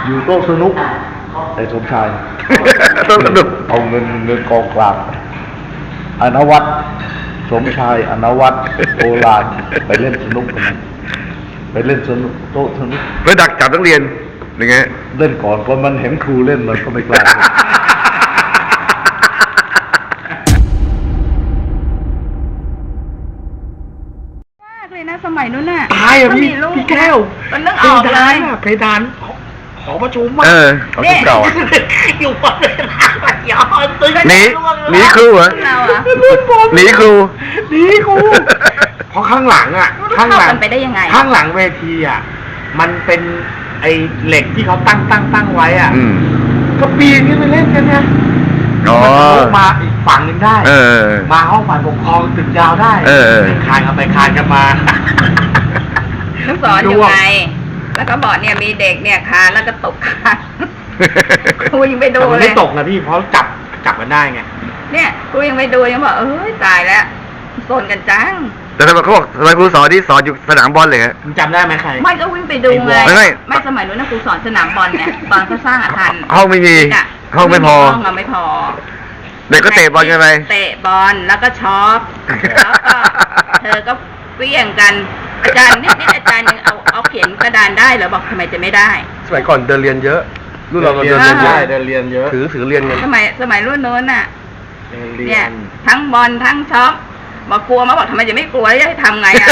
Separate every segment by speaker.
Speaker 1: อยู่โต๊ะสนุกแต่สมชาย
Speaker 2: โต๊ะสนุก
Speaker 1: เอาเงินกองกลางอนวัตสมชายอนวัตโอฬารไปเล่นสนุกกันไปเล่นสนุกโต๊ะสนุก
Speaker 2: ไปดักจับนักเรียนยังไง
Speaker 1: เล่นก่อนเพราะมันเห็นครูเล่นมันก็ไม่กล้า
Speaker 3: เลยนะสมัยนู้นน่ะ
Speaker 4: ตายอ่ะพี่แก้ว
Speaker 3: มันนึกออกเลย
Speaker 4: เพดานหอประชุม
Speaker 2: เอาที่เก่าอะ
Speaker 4: อยู่บนเพดานย้อนตึ้ง
Speaker 2: หนีครูเหรอ
Speaker 3: เราอะ
Speaker 2: หนีครู
Speaker 4: หนีครูเพราะข้างหลังอ่ะ
Speaker 3: ข้างหลังไปได้ยังไง
Speaker 4: ข้างหลังเวทีอ่ะมันเป็นไอ้เหล็กที่เขาตั้งไว้อ่ะ
Speaker 2: อืม
Speaker 4: ก็ปีนขึ้นไปเล่นกันนะ
Speaker 2: อ๋อ
Speaker 4: มันทะลุมาอีกฝั่งหนึ่งได้ มาห้องฝ่ายปกครองตึกยาวได้คานกันไปคานกันมา
Speaker 3: ลูกศรอยู่ไงแล้วก็บอกเนี่ยมีเด็กเนี่ยคานแล้วก็ตกคานครูยังไปดู
Speaker 4: แต่มัน
Speaker 3: เลย
Speaker 4: ไม่ตกนะพี่เพราะจับกันได้ไง
Speaker 3: เนี่ยครูยังไปดูยังบอกเอ้ยตายแล้วโซนกันจัง
Speaker 2: แต่ทำไมเขาบอกทำไมครูสอนที่สอนอยู่สนามบอลเลยฮะ
Speaker 4: มึงจำได้ไหมใคร
Speaker 3: ไม่ก็วิ่งไปดูไง
Speaker 2: ไม่
Speaker 3: ไม่สมัยนู้นนะครูสอนสนามบอลเนี่ยตอนเขาสร้างอาคาร
Speaker 2: ห้องไม่มีห้องไม่พอ
Speaker 3: ห้องไม่พอ
Speaker 2: เด็กก็เตะบอลกันไป
Speaker 3: เตะบอลแล้วก็ช็อปแล้วก็เธอก็เปี้ยงกันอาจารย์นี่อาจารย์ยังเอาเขียนกระดานได้เหรอบอกทำไมจะไม่ได้
Speaker 2: สมัยก่อนเดินเรียนเยอะรุ่นเราเดิน
Speaker 3: เรี
Speaker 2: เรี
Speaker 3: ย
Speaker 2: ย
Speaker 3: น
Speaker 2: น
Speaker 3: เย
Speaker 2: เย
Speaker 3: อะ
Speaker 2: อะ
Speaker 4: เดินเรียนเยอะ
Speaker 2: ถือเรียนกัน
Speaker 3: สมัยรุ่นโน้นน่ะ
Speaker 4: เดินเรี
Speaker 3: เนี่ย ย
Speaker 4: น
Speaker 3: ทั้งบอลทั้งช็อปบอกกลัวมาบอกทำไมจะไม่กลัวแล้วจะให้ทำไงอ่ะ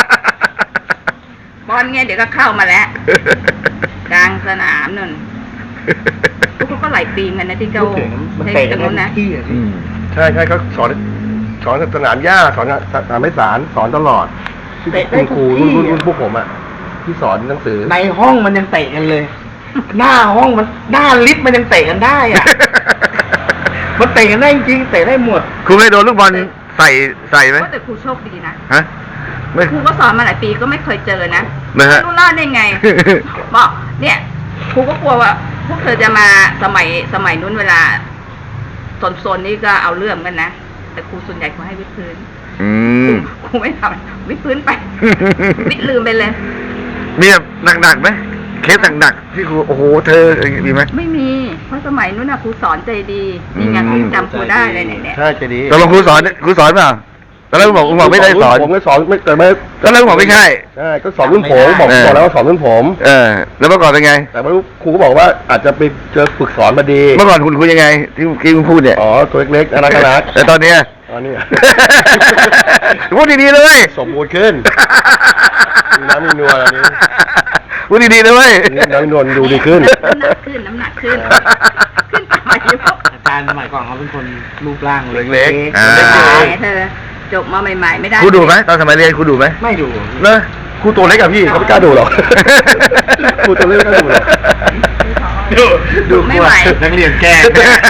Speaker 3: บอลเนี่ยเดี๋ยวก็เข้ามาแล้วกลางสนามนั่นพวกก็ไหลปีมกันนะที่เขา
Speaker 4: มัน
Speaker 3: ใช้
Speaker 4: เตะ
Speaker 3: ต
Speaker 4: กั
Speaker 3: ร
Speaker 4: น
Speaker 3: งนู้นนะ
Speaker 4: ที่อ่ะพี่
Speaker 2: ใช่เขาสอนสนามหญ้าสอนสนามไม้สารสอนตลอด
Speaker 4: เตะได้
Speaker 2: คุณครู
Speaker 4: ทุกที่
Speaker 2: รุ่นพวกผมอ่ะที่สอนหนังสือ
Speaker 4: ในห้องมันยังเตะกันเลย หน้าห้องมันหน้าลิฟต์มันยังเตะกันได้อ่ะ มันเตะกันได้จริงเตะได้หมด
Speaker 2: ครูเคยโดนลูกบอลใส่ไหม
Speaker 3: แต่ครูโชคดีนะ
Speaker 2: ฮะไม่
Speaker 3: ครูก็สอนมาหลายปีก็ไม่เคยเจอนะ
Speaker 2: นะฮะ
Speaker 3: ไม่รู้รอดได้ไง บอกเนี่ยครูก็กลัวว่า พวกเธอจะมาสมัยนู้นเวลาโซนนี้ก็เอาเรื่องกันนะแต่ครูส่วนใหญ่เขาให้วิดพื้น
Speaker 2: อืม
Speaker 3: ครูไม่ทำวิดพื้นไป วิดลืมไปเลย
Speaker 2: มีแบบหนักๆไหมเคสหนักๆที่ครูโอ้โหเธออย่างงี้มีไหม
Speaker 3: ไม่มีเพราะสมัยนู้นน่ะครูสอนใจดีนี่ไงครูจำครูได้เลยเนี่ย
Speaker 1: ใช่จะดี
Speaker 2: ตกลงครูสอนเปล่าตอนแรกบอกไม่ได้สอน
Speaker 1: ผมก็สอนไม่แต่ไม่
Speaker 2: ตอนแรกบอกไม่ใช่
Speaker 1: ใช่ก็สอนรุ่นผมบอกแล้วว่าสอนรุ่นผม
Speaker 2: แล้วเมื่อก่อนเป็นไง
Speaker 1: แต่ไม่รู้ครูก็บอกว่าอาจจะไปเจอฝึกสอนมาดี
Speaker 2: เมื่อก่อนคุณคุยยังไง ที่คุณพูดเนี่ย
Speaker 1: อ๋อตัวเล็กๆน่ารัก
Speaker 2: แต่ตอนเนี้ย
Speaker 1: ตอนนี้
Speaker 2: พูดดีๆเลย
Speaker 1: สมบูรณ์ขึ้นมีน้ำมีนวลอันนี้
Speaker 2: พูดดีๆเลย
Speaker 1: น้ำมีนวลดูดีขึ้น
Speaker 3: น้ำหนักขึ้นขึ้นไปเยอะ
Speaker 4: อาจารย์สมัยก่อนเขาเป็นคนรูปร่าง
Speaker 2: เล็กๆ
Speaker 3: ตายเธอจบมาใหม่ๆไม่ได้
Speaker 2: ครูดูไหมตอนสมัยเรียนครูดูไหม
Speaker 4: ไม่ดู
Speaker 2: เนอะ
Speaker 1: ครูตัวเล็กอะพี่เขาไม่กล้าดูหรอกครูตัวเล็กไม่กล้าดูหรอก
Speaker 4: ดู
Speaker 3: ไม่ไหว
Speaker 4: นักเรียนแกล้ง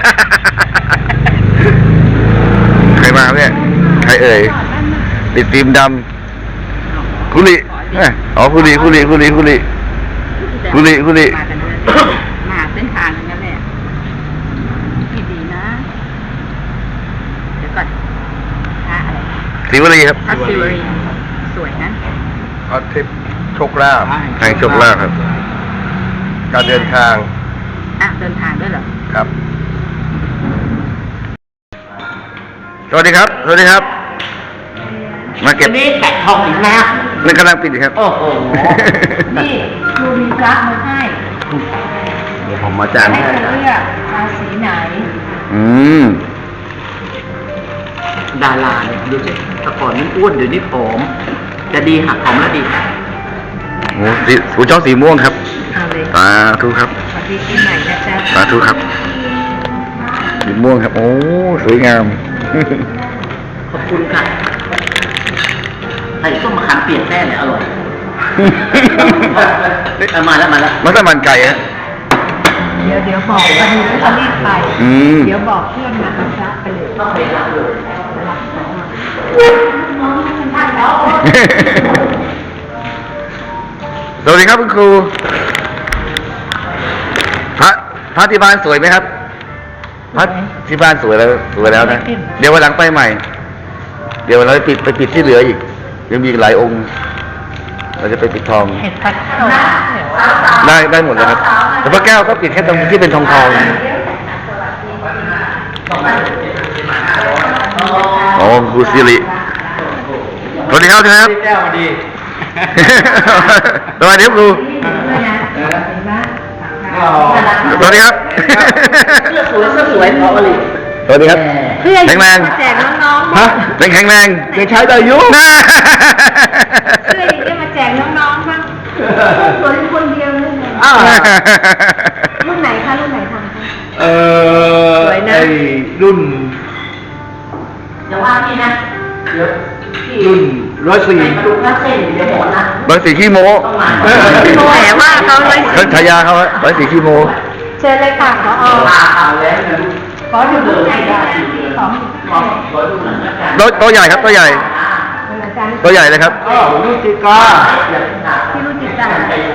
Speaker 2: ใครมาครับเนี่ยใครเอ่ยติดฟิล์มดำคุริอ๋อคุริ
Speaker 3: มากันด้วย
Speaker 2: คุริ
Speaker 3: มาเส้นทางทั้งนั้นเลยที่ดีนะเดี๋ยวก่อนพระอะไร
Speaker 2: ศรีวลีครับ
Speaker 3: พระศิวลีสวยนะ
Speaker 1: พระทิพย์โชคลาภ
Speaker 2: แห่งโชคลาภครับ
Speaker 1: การเดินทาง
Speaker 3: เดินทางด้วยเหรอ
Speaker 1: ครับ
Speaker 2: สวัสดีครับ สวัสดีครับ มาเก็บ
Speaker 4: นี่แตะทองอีกนะ
Speaker 2: นี่กำลังปิดอยู่ครับ
Speaker 4: โอ้โห
Speaker 3: นี่ครูมีพระมาให้
Speaker 1: เดี๋ยวผมมาจาน
Speaker 3: ให้
Speaker 1: ให้
Speaker 3: เธอเลือกราศีไหน
Speaker 2: อืม
Speaker 4: ดาราเนี่ยดูสิแต่ก่อนนี่อ้วนเดี๋ยวนี้ผอมจะดีหักผอมแล้วดี
Speaker 2: โอ้สีชอบสีม่วงครับ
Speaker 3: เอาเลย
Speaker 2: สาธุครับ
Speaker 3: สวัสดีปีใหม่นะจ๊ะ
Speaker 2: สาธุครับสีม่วงครับ โอ้สวยงาม
Speaker 4: ขอบคุณค่ะไอ้ส้มมะขามเปียกแน่เนี่ยอร่อยมาแล้ว
Speaker 2: มัสมั่นไก่ฮะ
Speaker 3: เดี๋ยวบอกวันนี้จะรีบไป
Speaker 2: อืม
Speaker 3: เดี๋ยวบอกเพื่อนมาเอาพระไปเลย
Speaker 4: ต้องไปรับเลย
Speaker 2: สวัสดีครับคุณครู พระที่บ้านสวยไหมครับ พระที่บ้านสวยแล้วนะ เดี๋ยววันหลังไปใหม่ เดี๋ยวเราไปปิดที่เหลืออีก ยังมีอีกหลายองค์ เราจะไปปิดทอง
Speaker 3: เห็ดผัดข้าว
Speaker 2: ได้หมดเลยครับ
Speaker 3: สาวๆ
Speaker 2: แต่พระแก้วก็ปิดแค่ตรงที่เป็นทองทองโอ้ครูสิริสวัสดีครับครับ
Speaker 4: แก้วมาดี
Speaker 2: สวัสดีครับครูสวัสดีครับ
Speaker 4: เสื้อสวยพอเลย
Speaker 2: สวัสดีครับ
Speaker 3: เพื่อ
Speaker 2: แข็งแรง
Speaker 3: แจกน้องๆ
Speaker 2: ฮะแข็งแรง
Speaker 1: ยังใช้ได้อยู่
Speaker 2: น่า
Speaker 3: เพื่อจะมาแจกน้องๆบ้างสวยคนเดียวเลยรุ่นไหนคะรุ่นไหนทำคะ สวยนะ
Speaker 1: ไอ้รุ่น
Speaker 3: เดี๋ยวว่าพี่นะ
Speaker 1: รุ่น104
Speaker 3: ดูว่าเส้นเดี๋ยวหมดนะ
Speaker 2: เบอร์สี่ขี้โม้
Speaker 3: แหมว่าเขาเลย
Speaker 2: เขาฉายาเขาเบอร์สี่ขี้โม้
Speaker 3: เชิญเลยค่ะขอขอดูดูไหนได้ของ
Speaker 2: ตัวใหญ่ครับตัวใหญ่
Speaker 3: อาจารย์
Speaker 2: ตัวใหญ่เลยครับ
Speaker 1: รุ่นจิกา
Speaker 3: ที่รู้จิตใจ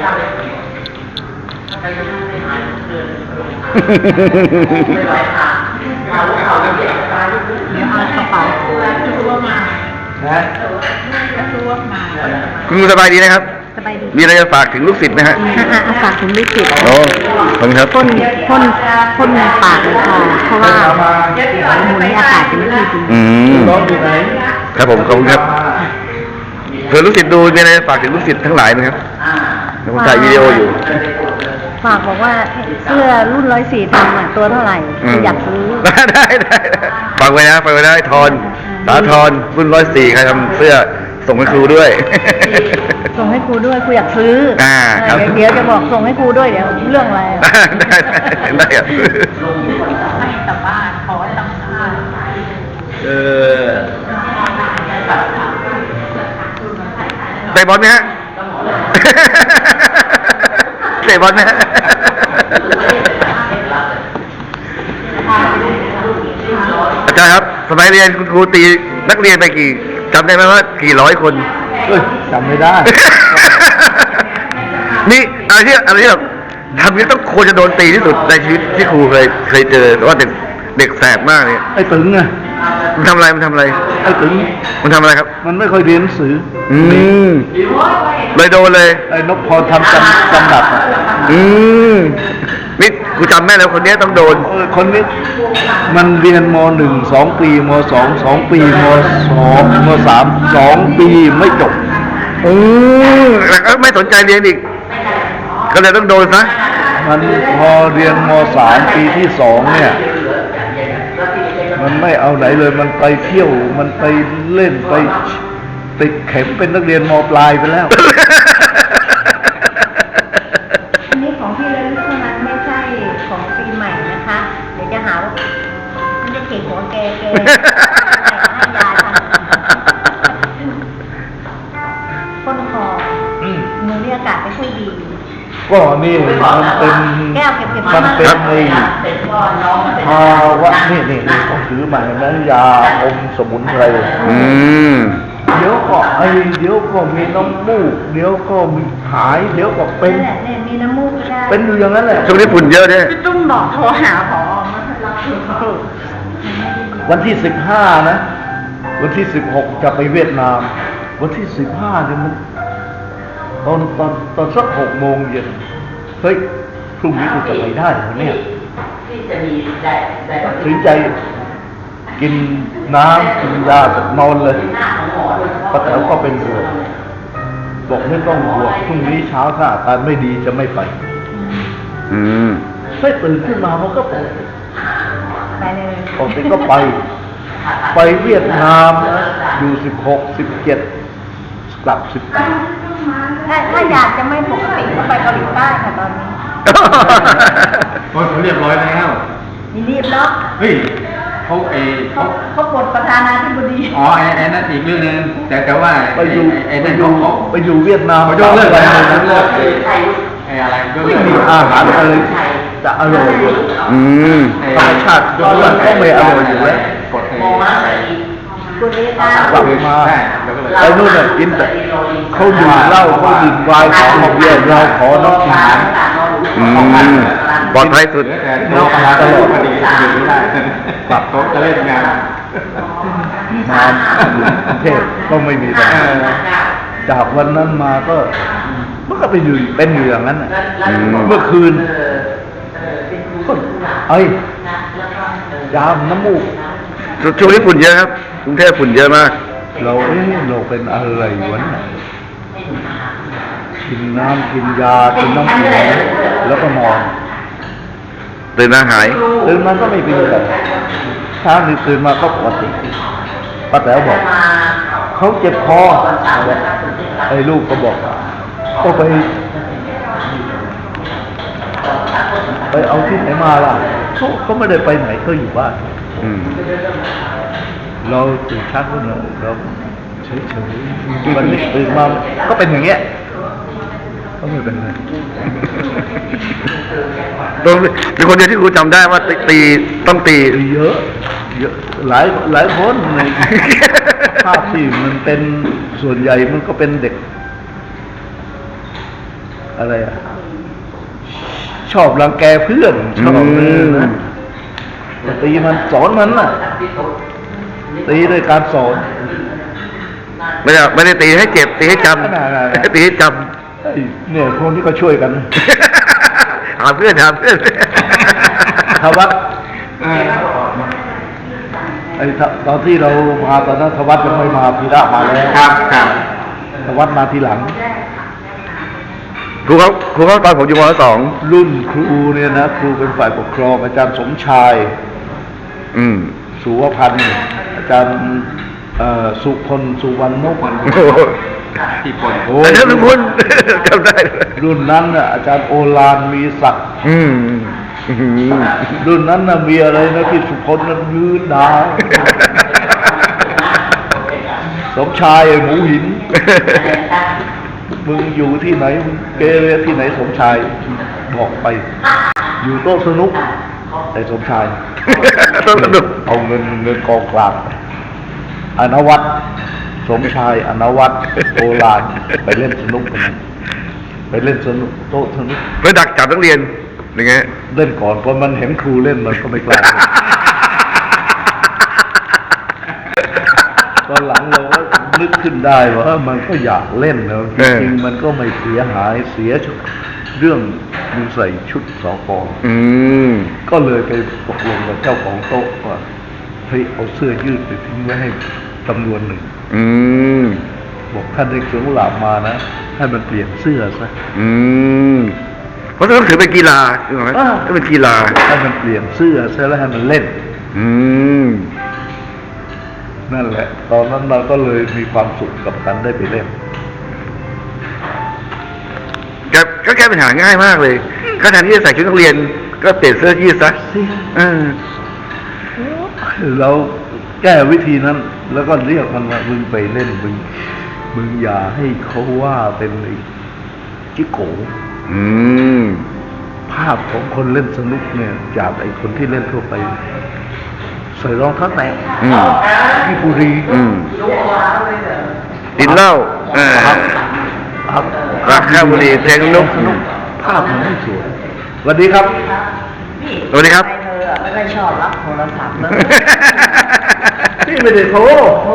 Speaker 3: เดี๋ยวเอากระเป๋าตัวมา
Speaker 1: นะ
Speaker 3: ตัวมา
Speaker 2: คุณครูสบายดีนะครับ
Speaker 3: สบายดี
Speaker 2: มีอะไรจะฝากถึงลูกศิษย์ไหมฮะ
Speaker 3: อากาศถึงไม่ติด
Speaker 2: โอ้ขอบคุณครับ
Speaker 3: พ่นปากเลยค่ะเพราะว่าหมุนอากาศจะไม่ค่อยดี
Speaker 2: อืม
Speaker 1: น้องอยู่ไหน
Speaker 2: ครับผมขอบคุณครับเผื่อลูกศิษย์ดูมีอะไรจะฝากถึงลูกศิษย์ทั้งหลายไหมครับเดี๋ยวผมถ่ายวิดีโออยู่
Speaker 5: ฝากบอกว่าเสื้อรุ่น104ทำอ่ะตัวเท่าไหร่อยากซื้อ
Speaker 2: ได้ฟังไว้นะฟังไว้ได้ทอนสาทรรุ่น104ใครทำเสื้อส่งให้ครูด้วย
Speaker 5: ส่งให้ครูด้วยครูอยากซื้อ
Speaker 2: ครับ
Speaker 5: เดี๋ยวจะบอกส่งให้ครูด้วยเดี๋ยวเรื่องอะไร
Speaker 2: ได้ครับ
Speaker 3: ให้แต่บ้านขอตังค่า
Speaker 2: เตะบอลไหมฮะ เตะบอลไหมฮะ อาจารย์ครับสมัยเรียนคุณครูตีนักเรียนไปกี่จำได้ไหมว่ากี่ร้อยคน
Speaker 1: เอ้ยจำไม่ได้
Speaker 2: นี่อะไรที่แบบทำนี้ต้องควรจะโดนตีที่สุดในชีวิตที่ครูเคยเจอแต่ว่าเด็กแสบมากเลย
Speaker 1: ไอ้ตึงไง
Speaker 2: มันทำอะไร
Speaker 1: ไอ้ตึง
Speaker 2: มันทำอะไรครับ
Speaker 1: มันไม่ค่อยเรียนหนังสือ
Speaker 2: อืมเลยโดนเลย
Speaker 1: ไอ้นพพรทำจำดับอะ
Speaker 2: อืมนี่กูจำแม่แล้วคนนี้ต้องโดน
Speaker 1: คนนี้มันเรียนม.1 2 ปีม.2 2 ปีม.2 ม.3 2 ปีไม่จบ
Speaker 2: อืมแล้วก็ไม่สนใจเรียนอีก ก็เลยต้องโดนซะ
Speaker 1: มันพอเรียนม.3 ปีที่ 2 เนี่ย มันไม่เอาไหนเลย มันไปเที่ยว มันไปเล่นไปติดเข็มเป็นนักเรียนม.ปลายไปแล้ว
Speaker 5: อันนี้ของที่ระลึกเท่านั้นไม่ใช่ของปีใหม่นะคะ เดี๋ยวจะหาว่ามันจะเก่งหัวแกให้ยาทำพ่นคอ
Speaker 1: อืม
Speaker 5: มือนี่อากาศไม่ค่อยดี
Speaker 1: ก็นี่มันเป็น
Speaker 5: แก้วเก็บ
Speaker 1: มันเป็น
Speaker 2: ครับ
Speaker 1: ไอ้ภาวะนี่ต้องถือมาเห็นไหมยาอมสมุนไพร
Speaker 2: อืม
Speaker 1: เดี๋ยวก็ไอเดี๋ยวก็มีน้ำมูกเดี๋ยวก็มีหายเดี๋ยวก็เป็น
Speaker 5: นั่นแหละเนี่ยมีน้ำมูกก็ได้
Speaker 1: เป็นอยู่อย่างนั้นแหละ
Speaker 2: ช่วงนี้ฝุ่นเยอะเนี่ย
Speaker 5: พี่ตุ้มบอกโทรหาผอมารับ
Speaker 1: วันที่15นะวันที่16จะไปเวียดนาม วันที่15เนี่ยมันตอนสัก6 โมงเย็นเฮ้ยพรุ่งนี้กูจะไปได้เหรอเนี่ยตัดสินใจกินน้ำกินยากับนอนเลยป้าแต๋วก็เป็นห่วงบอกไม่ต้องห่วงพรุ่งนี้เช้าถ้าอาการไม่ดีจะไม่ไป
Speaker 2: อืม
Speaker 1: เฮ้ยตื่นขึ้นมามันก็ปกติ
Speaker 5: ไปเลย
Speaker 1: ปกติก็ไปเวียดนามนะอยู่16 17กลับ18
Speaker 5: ถ้าอยากจะไม่ปกติก็ไปเกาหลีใต้ค่ะตอนนี้
Speaker 6: เขาเรียบร้อยแล้ว
Speaker 5: มีรีบเนาะ
Speaker 6: เฮ้ยเขา
Speaker 5: เขาปลดประธานาธิบดี
Speaker 6: อ๋อไอ้นั่นอีกเรื่องนึงแต่ว่า
Speaker 1: ไปอยู่
Speaker 6: ไอ้
Speaker 1: ไป
Speaker 6: นั่น
Speaker 1: อยู่
Speaker 6: เขา
Speaker 1: ไปอยู่เวียดนาม
Speaker 6: เขายกเลิก
Speaker 1: ไป
Speaker 6: แล้ว
Speaker 1: เลย
Speaker 6: ยกเลิกไอ้อะไรยก
Speaker 1: ไม่
Speaker 6: เลิก
Speaker 1: มีอาหารอะไรจะอร่อยเลย
Speaker 2: อืม
Speaker 1: ธรรมชาติก็ไม่อร่อยอยู่แล้ว
Speaker 6: กดไอ้
Speaker 5: คุณเอตาก
Speaker 1: ลับมา
Speaker 6: ได้ยกเลิก
Speaker 1: ไอ้นู่นน่ะกินแต่เขาดื่มเหล้าเขาดื่มไวน์ของเบียร์เราขอน้ำกิน
Speaker 2: อืมปลอดภัยสุด
Speaker 6: แต่เราปลาตลอดพอดีอยู่ไม่ได้ปรับโต๊ะจะเล่นงาน
Speaker 1: มาอยู่กรุงเทพก็ไม่มีปัญหาจากวันนั้นมาก็มันก็เป็นอยู่อย่างนั้นน่ะ
Speaker 2: อืม
Speaker 1: เมื่อคืนเอ้ยยามน้ำมูก
Speaker 2: ช่วงนี้ฝุ่นเยอะครับกรุงเทพฝุ่นเยอะมาก
Speaker 1: เราเราเป็นอะไรวะเนี่ยกินน้ำกินยากินน้ำแข็งแล้วก็นอน
Speaker 2: ตื่นมาหาย
Speaker 1: ตื่นมาก็ไม่เป็นไรเช้านี้ตื่นมาก็ปกติป้าแต๋วบอกเขาเจ็บคอไอ้ลูกก็บอกก็ไปเอาที่ไหนมาล่ะเขาไม่ได้ไปไหนก็อยู่บ้าน
Speaker 2: อืม
Speaker 1: เราตื่นเช้าขึ้นมาเราเฉยๆวันนี้ตื่นมาก็เป็นอย่างเงี้ยก็ไม่เป็นไร
Speaker 2: ตรงเป็นคนเดียวที่ครูจำได้ว่าตีต้องตี
Speaker 1: เยอะหลายคนในภาพที่มันเป็นส่วนใหญ่มันก็เป็นเด็กอะไรอ่ะชอบรังแกเพื่อนชอบเลยนะแต่ตีมันสอนมันน่ะตีด้วยการสอน
Speaker 2: ไม่ได้ตีให้เจ็บตีให้จ
Speaker 1: นั่น
Speaker 2: ำตีให้จ
Speaker 1: เฮ้ยเนี่ยคนที่ก็ช่วยกัน
Speaker 2: ำ หาเพื่อน
Speaker 1: ทวัดไอ้ตอนที่เรามาตอนนั้นทวัดยังไม่มาพีระมาแล้ว
Speaker 6: ครับ
Speaker 1: ทวัดมาทีหลัง
Speaker 2: ครูเขาตอนผมอยู่ม.2
Speaker 1: รุ่นครูเนี่ยนะครูเป็นฝ่ายปกครองอาจารย์สมชาย
Speaker 2: อืม
Speaker 1: สุวพันธ์อาจารย์สุพลสุวรรณนพ
Speaker 2: โอ้โห
Speaker 6: ที่ปน
Speaker 1: โอ้
Speaker 2: แต่ถ้าทุกคนจำได้เลย
Speaker 1: รุ่นนั้นน่ะอาจารย์โอฬารมีศักดิ์
Speaker 2: อืม
Speaker 1: รุ่นนั้นน่ะมีอะไรนะที่สุพลนั้นยืนดาวสมชายไอ้หมูหิน มึงอยู่ที่ไหนมึงเกเรที่ไหนสมชายบอกไป อยู่โต๊ะสนุกไอ้สมชาย
Speaker 2: ต้องสนุก
Speaker 1: เอาเงินกองกลางอนวัตรสมชายอนวัตรโอฬารไปเล่นสนุกกันไปเล่นสนุกโต๊ะสนุก
Speaker 2: เพื่อดักจับนักเรียนอย่างเงี้ย
Speaker 1: เล่นก่อนพอมันเห็นครูเล่นมันก็ไม่กล้าตอนหลังเราก็นึกขึ้นได้ว่ามันก็อยากเล่นนะจริงๆมันก็ไม่เสียหายเสียเรื่องมึงใส่ชุดสก
Speaker 2: อืม
Speaker 1: ก็เลยไปตกลงกับเจ้าของโต๊ะว่าเฮ้ยเอาเสื้อยืดไปทิ้งไว้ให้จำนวนหนึ่ง
Speaker 2: อืม
Speaker 1: บอกท่านได้เสือกุหลาบมานะให้มันเปลี่ยนเสื้อซะ
Speaker 2: อืมเพราะต้องถือเป็นกีฬาใช่ไหมถ้าเป็นกีฬา
Speaker 1: ให้มันเปลี่ยนเสื้อซะแล้วให้มันเล่น
Speaker 2: อืม
Speaker 1: นั่นแหละ ตอนนั้นเราก็เลยมีความสุขกับการได้ไปเล่น
Speaker 2: ก็แก้ปัญหาง่ายมากเลยก็แทนที่จะใส่ชุดนักเรียนก็เปลี่ยนเสื้อยืดซะ
Speaker 1: เราแก้วิธีนั้น แล้วก็เรียกมันว่ามึงไปเล่นมึงอย่าให้เขาว่าเป็นไอ้จิโก
Speaker 2: อืม
Speaker 1: ภาพของคนเล่นสนุกเนี่ยจากไอ้คนที่เล่นทั่วไปใส่รองเท้าแตะ
Speaker 2: อืม
Speaker 1: ที่บุรี
Speaker 2: อืมติดเหล้ารักข้าวบุหรี่เพลงนุก
Speaker 1: ภาพมันไม่สวยสวัสดีครับ
Speaker 2: สวัสดีครับ
Speaker 5: เธอไม่ค่อยชอบรับโทรศัพท์เลย
Speaker 1: พี่ไม่ได้โทร
Speaker 5: โอ้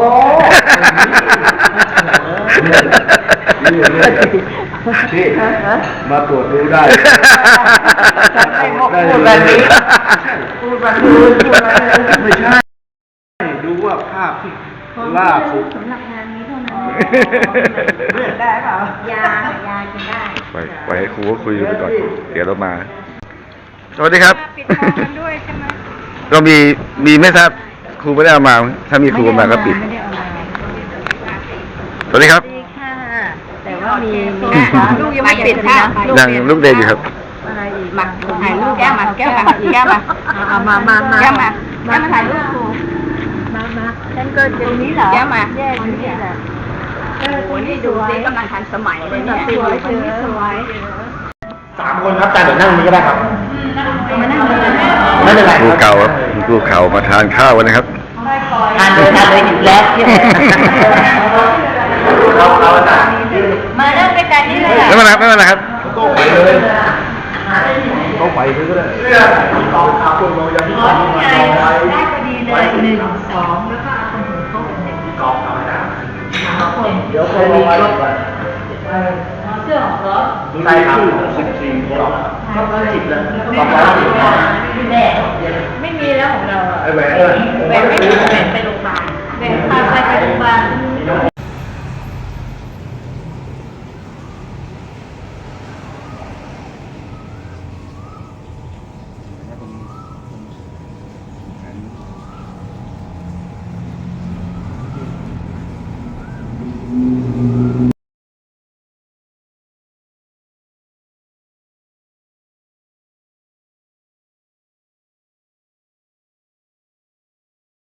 Speaker 1: พี่มาตรวจดูได้
Speaker 5: ไม่พูดแบบนี้พูดแบบนี้พูดแบบนี้
Speaker 1: ไม่ใช่ ดูว่าภาพที่ล่าสุด
Speaker 5: สำหรับงานนี้เท่านั้นเลือกได้เปล่ายากินได้
Speaker 2: ไปให้ครูก็คุยไปก่อน เดี๋ยวเรามา สวัสดีครับ
Speaker 3: ปิดทองกันด้วยใช่ไหม
Speaker 2: เรามีไม่ทราบครูไม่ได้เอามา ถ้ามีครูมาก็ปิด
Speaker 5: ไม่ได้เอามา
Speaker 2: สวัสดีครับ
Speaker 5: ดีค่ะ แต่ว่ามี
Speaker 3: ลูกยังไม่ปิดค่ะ
Speaker 2: ยังลูกเดนอยู่ครับ
Speaker 5: อะไรอีก
Speaker 3: มาถ่ายรูปแก้วมาแก้วมาแก้วมา
Speaker 5: เอามา
Speaker 3: แก้วมาถ่ายรูปครู
Speaker 5: มาฉันก็ตรงนี้เหรอ
Speaker 3: แก้วมา
Speaker 5: แย่ตรงนี้แหละ
Speaker 3: โอ้โหนี่ดูสิกำลังทันสมัยเลยเนี่ย
Speaker 5: สวยสวย
Speaker 6: 3 คนครับอาจารย์เดี๋ยวนั่งนี้ก็ได้ครับ
Speaker 5: มานั่งเลย
Speaker 6: ไม่เป็นไร
Speaker 2: ครูเก่าครับครูเก่ามาทานข้าวกันนะครับ
Speaker 5: ทานเลยอยู่แล้วมานั่งด้วยกันนี่เลย
Speaker 2: ไม่เป็นไรไม่เป็นไรครับ
Speaker 1: โต๊ะไปเลยเขาไปเลยก็ได้
Speaker 5: ได้พอดีเลย1 2แล้วก็เอาตรงหัวโต๊ะ
Speaker 1: เดี๋ยวเขาเอาไว้ก่อน
Speaker 5: เสื้อของรถ
Speaker 6: ใช่ครับ
Speaker 1: 14 กล่อง
Speaker 5: 10เลย
Speaker 6: 210
Speaker 5: แม่